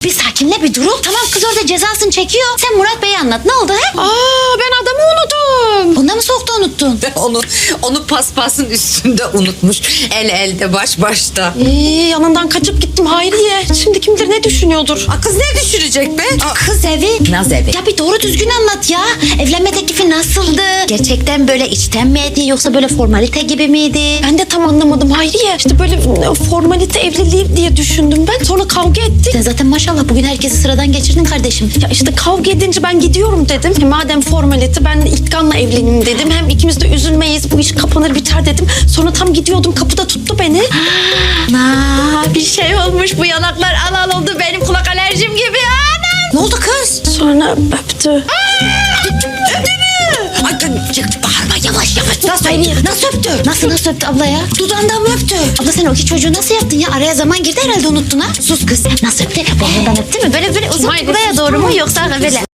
Bir sakinle bir durup. Tamam kız orada cezasını çekiyor. Sen Murat Bey'e anlat. Ne oldu he? Ben adamı unuttum. Bunda mı soğukta unuttun? Onu paspasın üstünde unutmuş. El elde baş başta. Yanından kaçıp gittim Hayriye. Şimdi kim bilir ne düşünüyordur. Kız ne düşürecek be? Kız evi. Naz evi. Ya bir doğru düzgün anlat ya. Evlenme teklifi nasıldı? Gerçekten böyle içten miydi yoksa böyle formalite gibi miydi? Ben de tam anlamadım Hayriye. İşte böyle formalite evliliği diye düşündüm ben. Sonra kavga ettik. Sen zaten maşallah bugün herkesi sıradan geçirdin kardeşim. Ya işte kavga edince ben gidiyorum dedim. Madem formalite ben İlkan'la evleneyim dedim. Hem ikimiz de üzülmeyiz, bu iş kapanır biter dedim. Sonra tam gidiyordum, kapıda tuttu beni. Bir şey olmuş, bu yanaklar al al oldu, benim kulak alerjim gibi. Ne oldu kız? Sonra öptü. Ay bağırma yavaş yavaş. Nasıl öptü? Nasıl öptü? Nasıl öptü abla ya? Dudağından mı öptü? Abla sen o iki çocuğu nasıl yaptın ya? Araya zaman girdi herhalde, unuttun ha? Sus kız. Nasıl öptü? Boynundan öptü mü? Böyle uzun Hayır, buraya doğru mu yoksa böyle?